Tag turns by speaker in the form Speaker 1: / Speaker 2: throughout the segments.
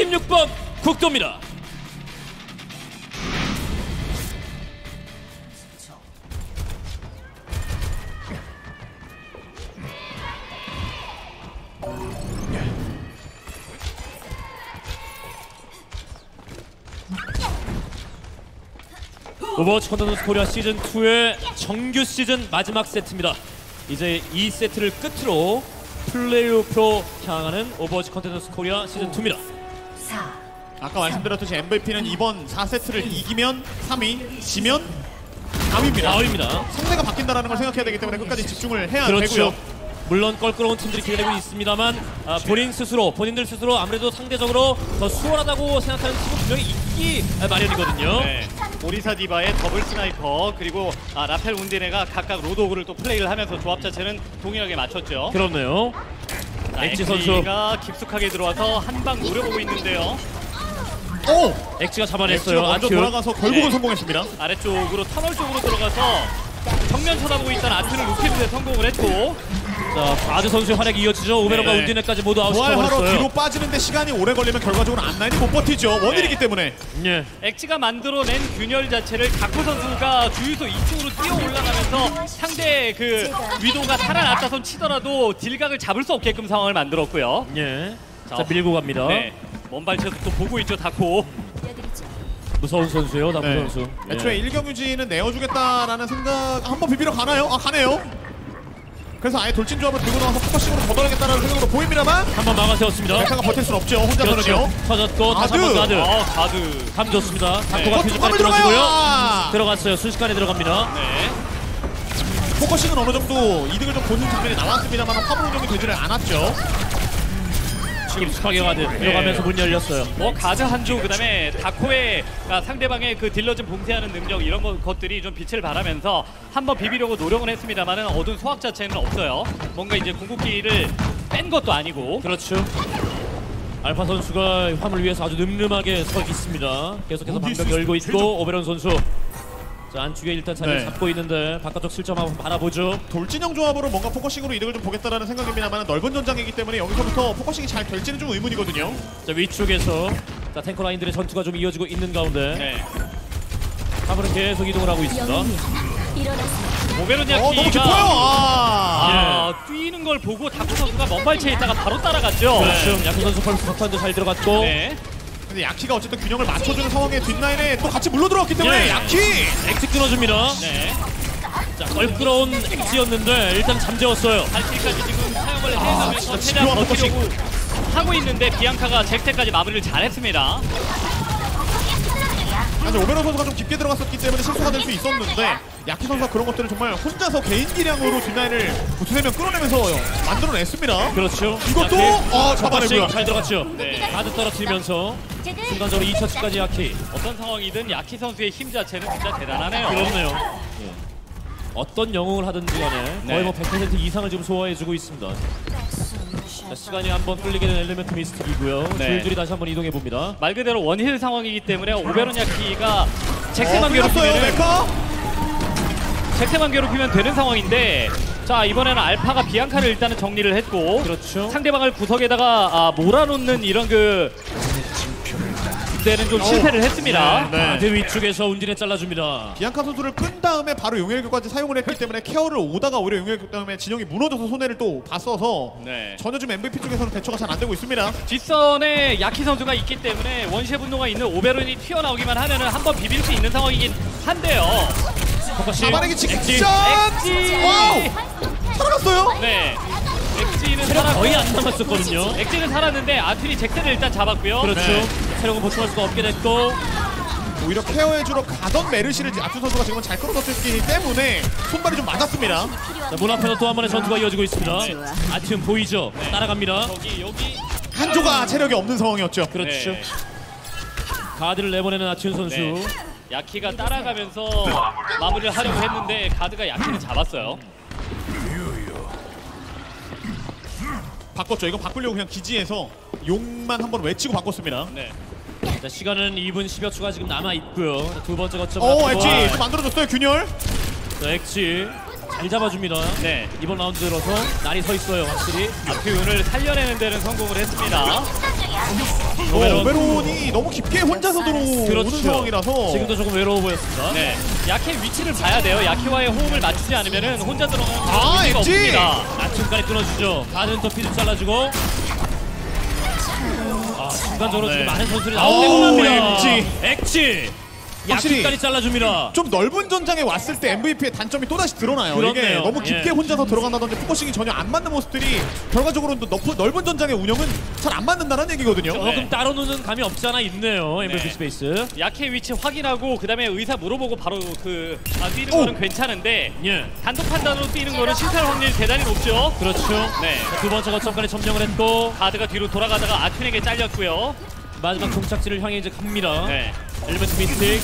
Speaker 1: 16번 국도입니다. 오버워치 컨텐츠 코리아 시즌2의 정규 시즌 마지막 세트입니다. 이제 이 세트를 끝으로 플레이오프로 향하는 오버워치 컨텐츠 코리아 시즌2입니다.
Speaker 2: 아까 말씀드렸듯이 MVP는 이번 4세트를 이기면 3위, 지면 4위입니다. 상대가 바뀐다는 걸 생각해야 되기 때문에 끝까지 집중을 해야 되고요.
Speaker 1: 물론 껄끄러운 팀들이 기다리고 있습니다만 본인들 스스로 아무래도 상대적으로 더 수월하다고 생각하는 팀은 분명히 있기 마련이거든요.
Speaker 3: 네. 오리사 디바의 더블 스나이퍼 그리고 라펠 운디네가 각각 로드오그를 또 플레이를 하면서 조합 자체는 동일하게 맞췄죠.
Speaker 1: 그렇네요. 엑지 선수가
Speaker 3: 깊숙하게 들어와서 한 방 노려보고 있는데요.
Speaker 2: 오!
Speaker 1: 엑지가 잡아냈어요.
Speaker 2: 먼저 돌아가서 결국은 성공했습니다.
Speaker 3: 아래쪽으로 터널 쪽으로 들어가서 정면 쳐다보고 있던 아트를 루키드에 성공을 했고,
Speaker 1: 자, 아드 선수의 활약이 이어지죠. 오베론과 운디네까지 모두 아웃시켜버렸어요.
Speaker 2: 부활하러 뒤로 빠지는데 시간이 오래 걸리면 결과적으로 앞라인이 못 버티죠. 원일이기 때문에.
Speaker 1: 예.
Speaker 3: 엑지가 만들어낸 균열 자체를 다코 선수가 주유소 2층으로 뛰어 올라가면서 상대의 그 위도가 살아났다 손 치더라도 딜각을 잡을 수 없게끔 상황을 만들었고요.
Speaker 1: 예. 자, 밀고 갑니다.
Speaker 3: 네. 먼발치에서 또 보고 있죠, 다코.
Speaker 1: 무서운 선수예요, 다코 선수.
Speaker 2: 애초에 일경유지는 내어주겠다라는 생각 한번 비비러 가나요? 아, 가네요. 그래서 아예 돌진 조합을 들고 나와서 포커싱으로 걷어내겠다는 생각으로 보입니다만
Speaker 1: 한번 막아세웠습니다.
Speaker 2: 메카가 버틸 순 없죠. 혼자서는요.
Speaker 1: 터졌고 다시 한번 가드.
Speaker 3: 가드.
Speaker 1: 감 좋습니다. 다코가 퓨즈까지 들어가고요. 들어갔어요. 순식간에 들어갑니다.
Speaker 3: 네.
Speaker 2: 포커싱은 어느 정도 이득을 좀 보는 장면이 나왔습니다만 화물 운영이 되지를 않았죠.
Speaker 1: 깊숙하게 가드 들어가면서 문 열렸어요.
Speaker 3: 가드 한조 그다음에 다코의 상대방의 그 딜러진 봉쇄하는 능력 이런 것들이 좀 빛을 발하면서 한번 비비려고 노력은 했습니다만은 얻은 소확 자체는 없어요. 뭔가 이제 궁극기를 뺀 것도 아니고.
Speaker 1: 그렇죠. 알파 선수가 화물 위에서 아주 늠름하게 서 있습니다. 계속해서 방벽 열고 있고 오베론 선수. 자, 안쪽에 일단 자리를 잡고 있는데 바깥쪽 실점 한번 바라보죠.
Speaker 2: 돌진형 조합으로 뭔가 포커싱으로 이득을 좀 보겠다라는 생각입니다만 넓은 전장이기 때문에 여기서부터 포커싱이 잘 될지는 좀 의문이거든요.
Speaker 1: 자, 위쪽에서 자, 탱커 라인들의 전투가 좀 이어지고 있는 가운데 화물은 계속 이동을 하고 있습니다.
Speaker 3: 오베론 야키가
Speaker 2: 너무 깊어요.
Speaker 3: 뛰는 걸 보고 다코 선수가 먼발치에 있다가 바로 따라갔죠.
Speaker 1: 그렇죠. 야키 선수 펄스 석탄도 잘 들어갔고.
Speaker 2: 근데 야키가 어쨌든 균형을 맞춰주는 상황에 뒷라인에 또 같이 물러 들어왔기 때문에 야키!
Speaker 1: 엑스 끊어줍니다. 자, 껄끄러운 엑스였는데 일단 잠재웠어요.
Speaker 3: 발키까지 지금 사용을 해가면서 최대한 버티려고 하고 있는데 비앙카가 잭테까지 마무리를 잘했습니다.
Speaker 2: 사실 오베론 선수가 좀 깊게 들어갔었기 때문에 실수가 될 수 있었는데 야키 선수가 그런 것들을 정말 혼자서 개인 기량으로 뒷라인을 두세 명 끌어내면서 만들어냈습니다.
Speaker 1: 그렇죠.
Speaker 2: 이것도 잡아내고요.
Speaker 1: 잘 들어갔죠. 가드 떨어뜨리면서 순간적으로 2차치까지 야키.
Speaker 3: 어떤 상황이든 야키 선수의 힘 자체는 진짜 대단하네요.
Speaker 1: 그렇네요. 어떤 영웅을 하든지 간에 거의 뭐 100% 이상을 지금 소화해주고 있습니다. 자, 시간이 한번 끌리게 된 엘리멘트 미스틱이고요. 줄줄이 다시 한번 이동해봅니다.
Speaker 3: 말 그대로 원힐 상황이기 때문에 오베론 야키가 잭테만 괴롭히면 되는 상황인데, 자, 이번에는 알파가 비앙카를 일단은 정리를 했고,
Speaker 1: 그렇죠.
Speaker 3: 상대방을 구석에다가 몰아놓는 이런 때는 좀 실패를 했습니다.
Speaker 1: 가드 위쪽에서 운진에 잘라줍니다.
Speaker 2: 비앙카 선수를 끈 다음에 바로 용혈교까지 사용을 했기 때문에 케어를 오다가 오히려 용혈교 때문에 진영이 무너져서 손해를 또 봤어서 전혀 좀 MVP 쪽에서는 대처가 잘 안 되고 있습니다.
Speaker 3: 뒷선에 야키 선수가 있기 때문에 원시의 분노가 있는 오베론이 튀어나오기만 하면은 한번 비빌 수 있는 상황이긴 한데요.
Speaker 2: 잡아내기 직전!
Speaker 3: 엑지!
Speaker 2: 와우! 살아갔어요?
Speaker 3: 네. 엑지는
Speaker 1: 거의 안 남았었거든요.
Speaker 3: 엑지는 살았는데 아트리 잭테를 일단 잡았고요.
Speaker 1: 그렇죠. 체력은 보충할 수가 없게 됐고,
Speaker 2: 오히려 케어해주러 가던 메르시를 아트 선수가 지금은 잘 끌어줬기 때문에 손발이 좀 맞았습니다.
Speaker 1: 자, 문 앞에서 또 한 번의 전투가 이어지고 있습니다. 아티움 보이죠? 따라갑니다.
Speaker 3: 여기
Speaker 2: 한조가 체력이 없는 상황이었죠.
Speaker 1: 그렇죠. 가드를 내보내는 아티움 선수.
Speaker 3: 야키가 따라가면서 마무리를 하려고 했는데 가드가 야키를 잡았어요.
Speaker 2: 바꿨죠. 이거 바꾸려고 그냥 기지에서 용만 한번 외치고 바꿨습니다.
Speaker 1: 자, 시간은 2분 10여 초가 지금 남아있고요. 두 번째 거점.
Speaker 2: 엑지 또 만들어줬어요. 균열.
Speaker 1: 자, 엑지 잘 잡아줍니다. 이번 라운드 들어서 날이 서 있어요. 확실히
Speaker 3: 아트윤을 살려내는 데는 성공을 했습니다.
Speaker 2: 오베론이 너무 깊게 혼자서 들어오는
Speaker 1: 그렇죠.
Speaker 2: 상황이라서
Speaker 1: 지금도 조금 외로워 보였습니다.
Speaker 3: 네, 야케 위치를 봐야 돼요. 야케와의 호흡을 맞추지 않으면은 혼자 들어가는 의미가
Speaker 2: 엣지!
Speaker 3: 없습니다.
Speaker 1: 중간에 끊어주죠. 가는 더 피드 잘라주고. 순간적으로 지금 많은 선수들이 나오고
Speaker 2: 엣지.
Speaker 1: 엣지.
Speaker 2: 확실히
Speaker 1: 야키까지 잘라줍니다.
Speaker 2: 좀 넓은 전장에 왔을 때 MVP의 단점이 또다시 드러나요. 이게
Speaker 1: 그렇네요.
Speaker 2: 너무 깊게
Speaker 1: 예.
Speaker 2: 혼자서 들어간다든지 포커싱이 전혀 안 맞는 모습들이 결과적으로는 넓은 전장의 운영은 잘 안 맞는다는 얘기거든요.
Speaker 1: 조금
Speaker 3: 네.
Speaker 1: 따로 노는 감이 없지 않아 있네요. MVP
Speaker 3: 네.
Speaker 1: 스페이스.
Speaker 3: 야케 위치 확인하고 그다음에 의사 물어보고 바로 뛰는
Speaker 2: 오!
Speaker 3: 거는 괜찮은데
Speaker 1: 예.
Speaker 3: 단독 판단으로 뛰는 거는 실패할 확률이 대단히 높죠.
Speaker 1: 그렇죠.
Speaker 3: 네.
Speaker 1: 자, 두 번째 거점까지 점령을 했고
Speaker 3: 가드가 뒤로 돌아가다가 아튠에게 잘렸고요.
Speaker 1: 마지막 종착지를 향해 이제 갑니다.
Speaker 3: 네.
Speaker 1: 엘리멘트 미스틱.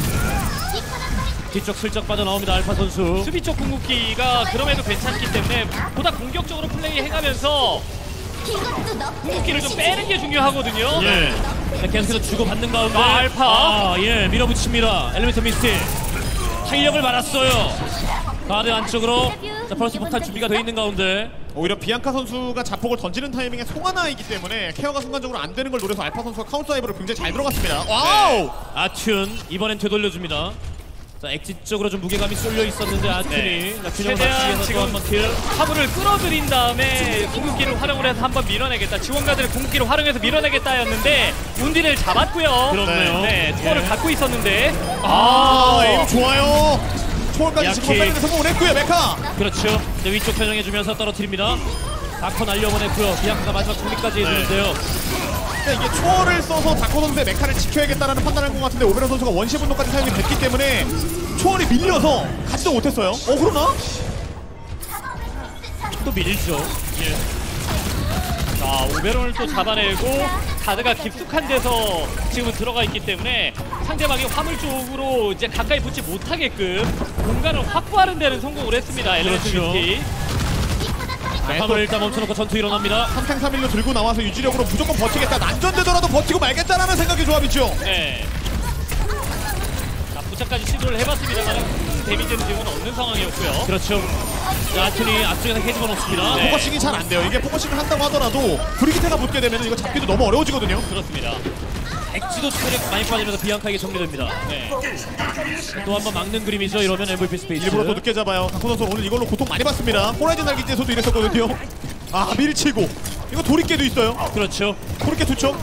Speaker 1: 뒤쪽 슬쩍 빠져나옵니다. 알파 선수.
Speaker 3: 수비 쪽 궁극기가 그럼에도 괜찮기 때문에 보다 공격적으로 플레이해가면서 궁극기를 좀 빼는 게 중요하거든요.
Speaker 1: 예. 자, 계속해서 주고받는 가운데
Speaker 3: 알파.
Speaker 1: 예, 밀어붙입니다. 엘리멘트 미스틱. 탄력을 받았어요. 가드 안쪽으로 자, 펄스 폭탄 준비가 돼 있는 가운데
Speaker 2: 오히려 비앙카 선수가 자폭을 던지는 타이밍에 송하나이기 때문에 케어가 순간적으로 안 되는 걸 노려서 알파 선수가 카운터 다이브를 굉장히 잘 들어갔습니다. 와우!
Speaker 1: 아튠 이번엔 되돌려줍니다. 자, 엑짓 쪽으로 좀 무게감이 쏠려 있었는데 아튠이
Speaker 3: 네.
Speaker 1: 자, 균형을
Speaker 3: 최대한
Speaker 1: 맞추기 위해서 또
Speaker 3: 지금
Speaker 1: 한번 킬.
Speaker 3: 화물을 끌어들인 다음에 궁극기를 활용을 해서 한번 밀어내겠다. 지원가들의 궁극기를 활용해서 밀어내겠다였는데 운디를 잡았고요.
Speaker 1: 그렇네요.
Speaker 3: 네, 투어를
Speaker 1: 예.
Speaker 3: 갖고 있었는데
Speaker 2: 에임 좋아요. 초월까지 지금
Speaker 1: 야키.
Speaker 2: 살리는 성공을 했고요. 메카.
Speaker 1: 그렇죠. 이제 위쪽 편정해주면서 떨어뜨립니다. 다커 날려보냈고요. 비앙카가 마지막 정리까지 해주는데요.
Speaker 2: 그러니까 이게 초월을 써서 다코 선수의 메카를 지켜야겠다라는 판단을 한 것 같은데 오베론 선수가 원시 분노까지 사용이 됐기 때문에 초월이 밀려서 가지도 못했어요. 그러나?
Speaker 1: 또 밀죠. 예.
Speaker 3: 자, 오베론을 또 잡아내고 가드가 깊숙한 데서 지금은 들어가 있기 때문에 상대방이 화물 쪽으로 이제 가까이 붙지 못하게끔 공간을 확보하는 데는 성공을 했습니다. 엘리멘트
Speaker 1: 그렇죠.
Speaker 3: 미스틱.
Speaker 1: 화물을 일단 멈춰놓고 전투 일어납니다.
Speaker 2: 3탱3일로 들고 나와서 유지력으로 무조건 버티겠다. 난전되더라도 버티고 말겠다라는 생각의 조합이죠.
Speaker 3: 네. 자, 부착까지 시도를 해봤습니다만 큰 데미지는 지금은 없는 상황이었고요.
Speaker 1: 그렇죠. 자, 아튠이 앞쪽에서 헤집어 놓습니다.
Speaker 3: 네.
Speaker 2: 포커싱이 잘 안 돼요. 이게 포커싱을 한다고 하더라도 브리기테가 붙게 되면 이거 잡기도 너무 어려워지거든요.
Speaker 3: 그렇습니다.
Speaker 1: 엑지도 체력 많이 빠지면서 비앙카에게 정리됩니다.
Speaker 3: 네.
Speaker 1: 또 한 번 막는 그림이죠. 이러면 MVP 스페이스.
Speaker 2: 일부러 또 늦게 잡아요. 다코 선수 오늘 이걸로 고통 많이 받습니다. 호라이즌 날기지에서도 이랬었거든요. 밀치고 이거 도리깨도 있어요.
Speaker 1: 그렇죠.
Speaker 2: 도리깨 투척.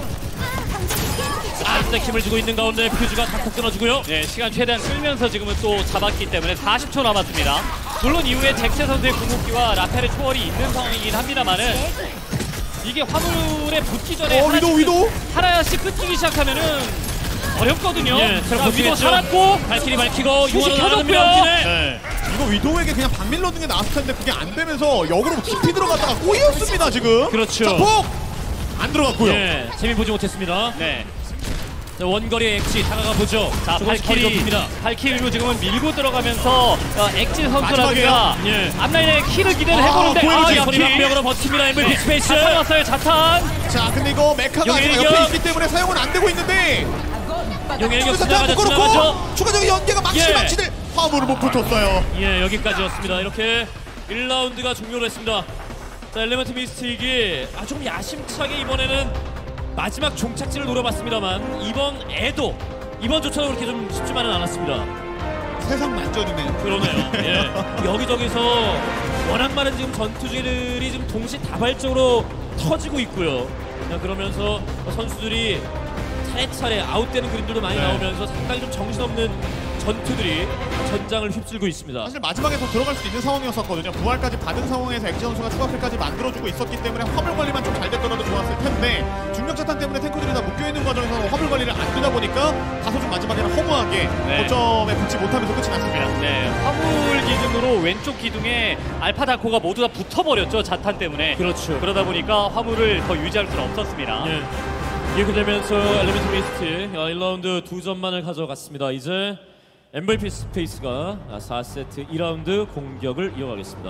Speaker 1: 아직도 힘을 주고 있는 가운데 퓨즈가 탁탁 끊어주고요.
Speaker 3: 네, 시간 최대한 끌면서 지금은 또 잡았기 때문에 40초 남았습니다. 물론 이후에 잭세 선수의 궁극기와 라펠의 초월이 있는 상황이긴 합니다만은 이게 화물에 붙기 전에
Speaker 2: 위도.
Speaker 3: 하나씩 끊기기 시작하면은 어렵거든요.
Speaker 1: 예,
Speaker 3: 자, 위도
Speaker 1: 버티겠죠.
Speaker 3: 살았고
Speaker 1: 발키리 밝히고
Speaker 3: 수시
Speaker 1: 유언을
Speaker 3: 켜졌고요.
Speaker 1: 나눕니다.
Speaker 2: 네. 이거 위도우에게 그냥 박밀 넣는 게 나았을 텐데 그게 안 되면서 역으로 깊이 들어갔다가 꼬였습니다 지금.
Speaker 1: 그렇죠.
Speaker 2: 자폭 안 들어갔고요.
Speaker 1: 예, 재미 보지 못했습니다.
Speaker 3: 네.
Speaker 1: 자, 원거리 엑지 다가가 보죠.
Speaker 3: 자,
Speaker 1: 조금씩 거리 좁힙니다.
Speaker 3: 발키리로 지금은 밀고 들어가면서 엑진 선수라든가
Speaker 1: 마지막이에요. 예.
Speaker 3: 앞라인에 키를 기대를 해보는데
Speaker 2: 보여주지.
Speaker 3: 야키.
Speaker 1: 소리방벽으로 버팁니다. MVP 스페이스.
Speaker 3: 자탄 왔어요, 자탄.
Speaker 2: 자 근데 이거 메카가 아직
Speaker 1: 용일격.
Speaker 2: 옆에 있기 때문에 사용은 안 되고 있는데
Speaker 1: 용일격
Speaker 2: 사탄
Speaker 1: 지나가죠.
Speaker 2: 묶어놓고
Speaker 1: 지나가죠.
Speaker 2: 추가적인 연계가
Speaker 1: 예.
Speaker 2: 막치들 화물을 못 붙었어요.
Speaker 1: 예, 여기까지였습니다. 이렇게 1라운드가 종료를 했습니다. 자, 엘리멘트 미스틱이 좀 야심차게 이번에는 마지막 종착지를 노려봤습니다만 이번조차도 그렇게 좀 쉽지만은 않았습니다.
Speaker 2: 세상 만전이네요.
Speaker 1: 그러네요. 예. 여기저기서 워낙 많은 지금 전투들이 지금 동시다발적으로 터지고 있고요. 자, 그러면서 선수들이 차례차례 아웃되는 그림들도 많이 나오면서 상당히 좀 정신없는 전투들이 전장을 휩쓸고 있습니다.
Speaker 2: 사실 마지막에 더 들어갈 수 있는 상황이었었거든요. 부활까지 받은 상황에서 엑지 선수가 추가킬까지 만들어주고 있었기 때문에 화물 관리만 좀 잘 됐더라도 좋았을 텐데 중력자탄 때문에 탱크들이 다 묶여있는 과정에서 화물 관리를 안 되다 보니까 다소 좀 마지막에는 허무하게 거점에 붙지 못하면서 끝이 났습니다.
Speaker 3: 네, 화물 기둥으로 왼쪽 기둥에 알파 다코가 모두 다 붙어버렸죠, 자탄 때문에.
Speaker 1: 그렇죠.
Speaker 3: 그러다 보니까 화물을 더 유지할 수는 없었습니다.
Speaker 1: 예. 이렇게 되면서 엘리멘트 미스트 1라운드 2점만을 가져갔습니다. 이제 MVP 스페이스가 4세트 2라운드 공격을 이어가겠습니다.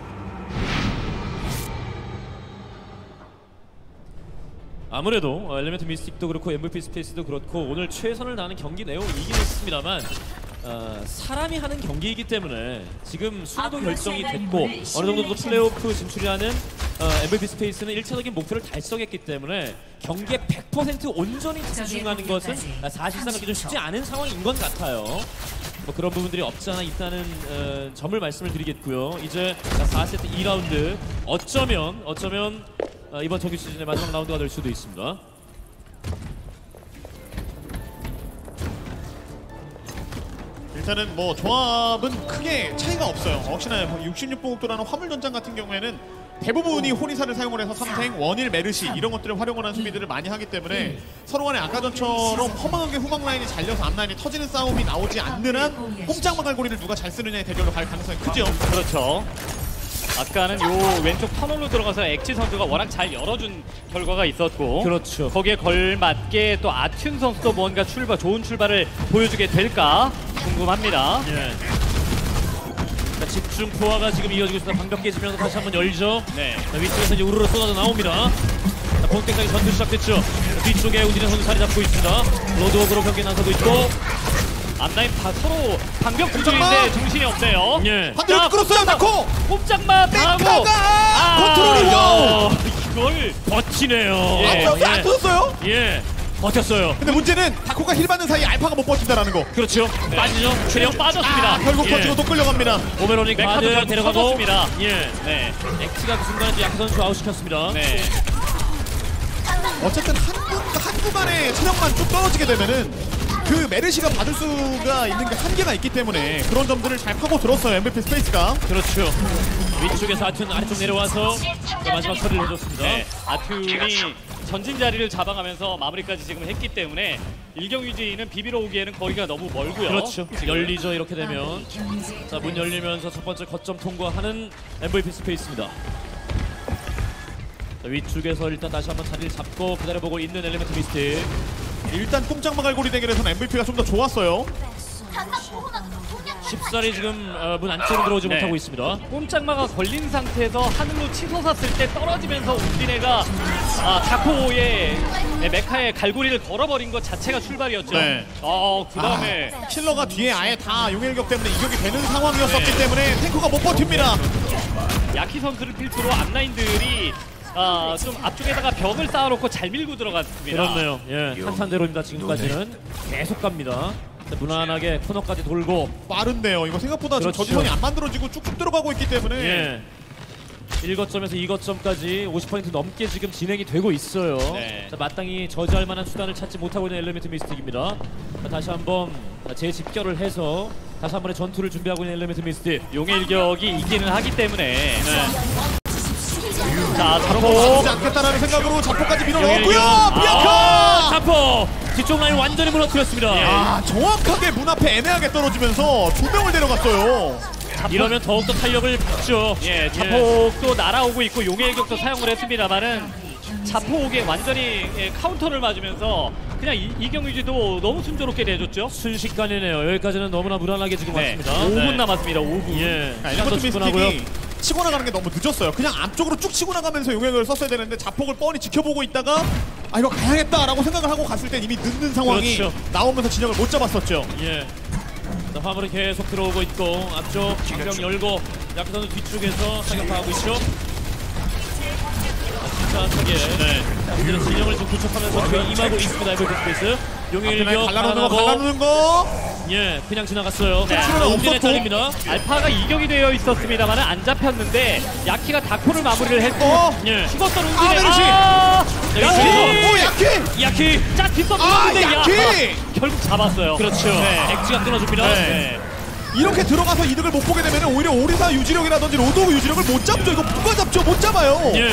Speaker 1: 아무래도 엘리멘트 미스틱도 그렇고 MVP 스페이스도 그렇고 오늘 최선을 다하는 경기 내용이긴 했습니다만 사람이 하는 경기이기 때문에 지금 순위도 결정이 됐고 어느 정도 또 플레이오프 진출이라는 MVP 스페이스는 1차적인 목표를 달성했기 때문에 경기에 100% 온전히 집중하는 것은 사실상 그렇게 좀 쉽지 않은 상황인 것 같아요. 뭐 그런 부분들이 없지 않아 있다는 점을 말씀을 드리겠고요. 이제 4세트 2라운드 어쩌면 이번 정규 시즌의 마지막 라운드가 될 수도 있습니다.
Speaker 2: 일단은 뭐 조합은 크게 차이가 없어요. 역시나 66보급도라는 화물전장 같은 경우에는 대부분이 호리사를 사용을 해서 삼생, 원일, 메르시 이런 것들을 활용을 하는 수비들을 많이 하기 때문에 서로 간에 아까 전처럼 허망하게 후방 라인이 잘려서 앞 라인이 터지는 싸움이 나오지 않는 한 꼼짝마 갈고리를 누가 잘 쓰느냐의 대결로 갈 가능성이 크죠.
Speaker 3: 그렇죠. 아까는 요 왼쪽 터널로 들어가서 엑지 선수가 워낙 잘 열어준 결과가 있었고
Speaker 1: 그렇죠.
Speaker 3: 거기에 걸맞게 또 아튠 선수도 뭔가 좋은 출발을 보여주게 될까 궁금합니다.
Speaker 1: 예. 자, 집중 포화가 지금 이어지고 있습니다. 방벽 깨지면서 다시 한번 열죠.
Speaker 3: 네.
Speaker 1: 자, 위쪽에서 이제 우르르 쏟아져 나옵니다. 자, 본격적인 전투 시작됐죠. 자, 뒤쪽에 우진현 선수 자리 잡고 있습니다. 로드워크로 경기 나서고 있고.
Speaker 3: 앞라인 서로 방벽 구조인데 정신이 없네요.
Speaker 1: 예.
Speaker 2: 반대로 끌었어요, 나코!
Speaker 3: 꼼짝마 당하고
Speaker 2: 컨트롤이요!
Speaker 3: 이걸
Speaker 1: 버티네요.
Speaker 3: 예.
Speaker 2: 안 터졌어요?
Speaker 1: 예. 버텼어요.
Speaker 2: 근데 문제는 다코가 힐 받는 사이에 알파가 못 버틴다라는 거.
Speaker 1: 그렇죠.
Speaker 3: 네.
Speaker 1: 빠지죠.
Speaker 3: 체력 빠졌습니다.
Speaker 2: 결국
Speaker 1: 예.
Speaker 2: 버티고 또 끌려갑니다.
Speaker 1: 오베로닉
Speaker 3: 메카도
Speaker 1: 가드
Speaker 3: 결국
Speaker 1: 데려가고.
Speaker 3: 터졌습니다.
Speaker 1: 예.
Speaker 3: 네.
Speaker 1: 엑스가 그 순간에 야크 선수 아웃시켰습니다.
Speaker 3: 네.
Speaker 2: 어쨌든 한 구간에 체력만 쭉 떨어지게 되면은 그 메르시가 받을 수가 있는 게 한계가 있기 때문에 그런 점들을 잘 파고 들었어요, MVP 스페이스가.
Speaker 1: 그렇죠. 위쪽에서 아튠 아래쪽 내려와서 마지막 처리를 해줬습니다.
Speaker 3: 네. 아튠이 전진 자리를 잡아가면서 마무리까지 지금 했기 때문에 일경유지는 비비러 오기에는 거리가 너무 멀고요.
Speaker 1: 그렇죠. 열리죠. 이렇게 되면. 자, 문 열리면서 첫 번째 거점 통과하는 MVP 스페이스입니다. 자, 위쪽에서 일단 다시 한번 자리를 잡고 기다려보고 있는 엘리멘트 미스틱.
Speaker 2: 일단 꼼짝마 갈고리 대결에서는 MVP가 좀 더 좋았어요.
Speaker 1: 쉽사리 지금 문 안쪽으로 들어오지
Speaker 3: 네.
Speaker 1: 못하고 있습니다.
Speaker 3: 꼼짝마가 걸린 상태에서 하늘로 치솟았을 때 떨어지면서 우진해가 다코의 메카에 갈고리를 걸어버린 것 자체가 출발이었죠.
Speaker 2: 네.
Speaker 3: 그 다음에
Speaker 2: 킬러가 뒤에 아예 다 용일격 때문에 이격이 되는 상황이었었기 때문에 탱커가 못 버팁니다.
Speaker 3: 야키 선수를 필두로 앞라인들이 좀 앞쪽에다가 벽을 쌓아놓고 잘 밀고 들어갔습니다.
Speaker 1: 그렇네요. 예, 탄탄대로입니다. 지금까지는 계속 갑니다. 자, 무난하게 코너까지 돌고.
Speaker 2: 빠른데요. 이거 생각보다 지금
Speaker 1: 그렇죠.
Speaker 2: 저지선이 안 만들어지고 쭉쭉 들어가고 있기 때문에
Speaker 1: 예. 1거점에서 2거점까지 50% 넘게 지금 진행이 되고 있어요.
Speaker 3: 네.
Speaker 1: 자, 마땅히 저지할 만한 수단을 찾지 못하고 있는 엘리멘트 미스틱입니다. 자, 다시 한번 재집결을 해서 다시 한 번의 전투를 준비하고 있는 엘리멘트 미스틱.
Speaker 3: 용의 일격이 이기는 하기 때문에 자,
Speaker 2: 잡지
Speaker 3: 자포
Speaker 2: 않겠다라는 생각으로 자포까지 밀어넣었고요.
Speaker 1: 용일격.
Speaker 2: 미아카!
Speaker 1: 자포! 뒤쪽 라인 완전히 무너뜨렸습니다.
Speaker 2: 정확하게 문 앞에 애매하게 떨어지면서 두 명을 데려갔어요.
Speaker 1: 이러면 더욱더 탄력을 받죠.
Speaker 3: 예, 자폭도 날아오고 있고 용의 일격도 사용을 했습니다만은 자폭에 완전히 카운터를 맞으면서 그냥 이경유지도 너무 순조롭게 내줬죠.
Speaker 1: 순식간이네요. 여기까지는 너무나 무난하게 지금
Speaker 3: 네,
Speaker 1: 왔습니다.
Speaker 3: 5분
Speaker 1: 네.
Speaker 3: 남았습니다. 5분.
Speaker 1: 예.
Speaker 2: 엘리먼트
Speaker 1: 충분하고요.
Speaker 2: 미스틱이 치고 나가는 게 너무 늦었어요. 그냥 앞쪽으로 쭉 치고 나가면서 용액을 썼어야 되는데 자폭을 뻔히 지켜보고 있다가 이거 가야겠다라고 생각을 하고 갔을 땐 이미 늦는 상황이
Speaker 1: 그렇죠.
Speaker 2: 나오면서 진영을 못 잡았었죠.
Speaker 1: 예. 자, 화물은 계속 들어오고 있고 앞쪽 방병 열고 야크 선수 뒤쪽에서 사격하고 있죠. 침착하게 이제는 진영을 좀 구축하면서 뒤에 임하고 있습니다. MVP 스페이스. 용의 일격
Speaker 2: 갈라놓는 거, 갈라놓는 거.
Speaker 1: 예, 그냥 지나갔어요.
Speaker 3: 네.
Speaker 1: 옥진의 딸입니다.
Speaker 3: 알파가 이격이 되어 있었습니다만 안 잡혔는데 야키가 다코를 마무리를 했고
Speaker 1: 예.
Speaker 3: 죽었던
Speaker 2: 메르시!
Speaker 3: 야키!
Speaker 2: 오, 야키!
Speaker 1: 야키!
Speaker 3: 자 뒷선
Speaker 2: 아,
Speaker 3: 누르는데
Speaker 2: 야키!
Speaker 3: 결국 잡았어요.
Speaker 1: 그렇죠.
Speaker 3: 네.
Speaker 1: 엑지가 끊어줍니다.
Speaker 2: 네. 이렇게 들어가서 이득을 못 보게 되면 오히려 오리사 유지력이라든지 로드오브 유지력을 못 잡죠. 이거 누가 잡죠? 못 잡아요.
Speaker 1: 예.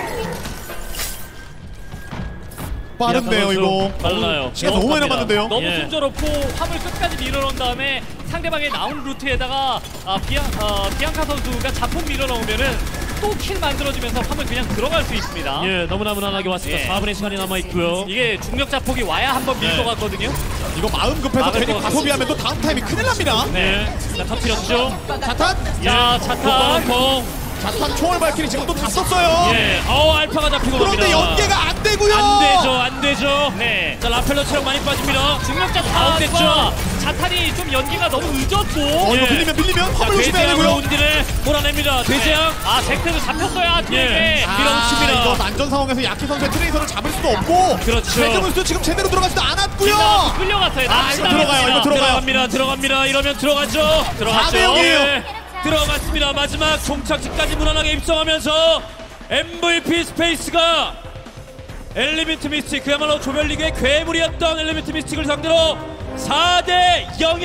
Speaker 2: 빠른데요,
Speaker 1: 선수
Speaker 2: 이거.
Speaker 1: 빨라요.
Speaker 2: 시간 너무 많이 남았는데요.
Speaker 3: 너무
Speaker 1: 예.
Speaker 3: 순조롭고 화물 끝까지 밀어넣은 다음에 상대방의 나온 루트에다가 비앙카 선수가 자폭 밀어넣으면은 또 킬 만들어주면서 화물 그냥 들어갈 수 있습니다.
Speaker 1: 예, 너무나 무난하게 왔습니다.
Speaker 3: 예.
Speaker 1: 4분의 시간이 남아 있고요.
Speaker 3: 이게 중력 자폭이 와야 한번 밀
Speaker 1: 네.
Speaker 3: 것 같거든요.
Speaker 2: 이거 마음 급해서
Speaker 3: 막을
Speaker 2: 괜히
Speaker 3: 것
Speaker 2: 과소비하면 또 다음 타임이 큰일 납니다.
Speaker 1: 네. 자, 터뜨렸죠.
Speaker 2: 자탄?
Speaker 3: 자, 차탄.
Speaker 1: 콩
Speaker 2: 자탄 총알 발키리 지금 또 다 썼어요.
Speaker 1: 예, 알파가 잡히고
Speaker 2: 그런데
Speaker 1: 갑니다.
Speaker 2: 연계가 안 되고요.
Speaker 1: 안 되죠.
Speaker 3: 네.
Speaker 1: 자, 라펠러 체력 많이 빠집니다.
Speaker 3: 중력자
Speaker 1: 아웃됐죠.
Speaker 3: 타와 자탄이 좀 연기가 너무 늦었고.
Speaker 2: 이거
Speaker 1: 예.
Speaker 2: 밀리면
Speaker 1: 자,
Speaker 2: 화물 조심해야
Speaker 1: 대재앙으로
Speaker 2: 되고요.
Speaker 1: 운디를 몰아냅니다. 대재앙.
Speaker 3: 잭스도 잡혔어요. 뒤에.
Speaker 1: 예. 밀어붙입니다.
Speaker 2: 이거 난전 상황에서 야키 선수의 트레이서를 잡을 수도 없고.
Speaker 1: 그렇죠.
Speaker 2: 배정은수도 지금 제대로 들어가지도 않았고요.
Speaker 3: 끌려갔어요.
Speaker 2: 이거 들어가요. 이거
Speaker 1: 들어갑니다. 이러면 들어가죠.
Speaker 2: 4대 0이에요.
Speaker 1: 예, 들어갔습니다. 마지막 종착지까지 무난하게 입성하면서 MVP 스페이스가 엘리멘트 미스틱, 그야말로 조별리그의 괴물이었던 엘리멘트 미스틱을 상대로 4대 0.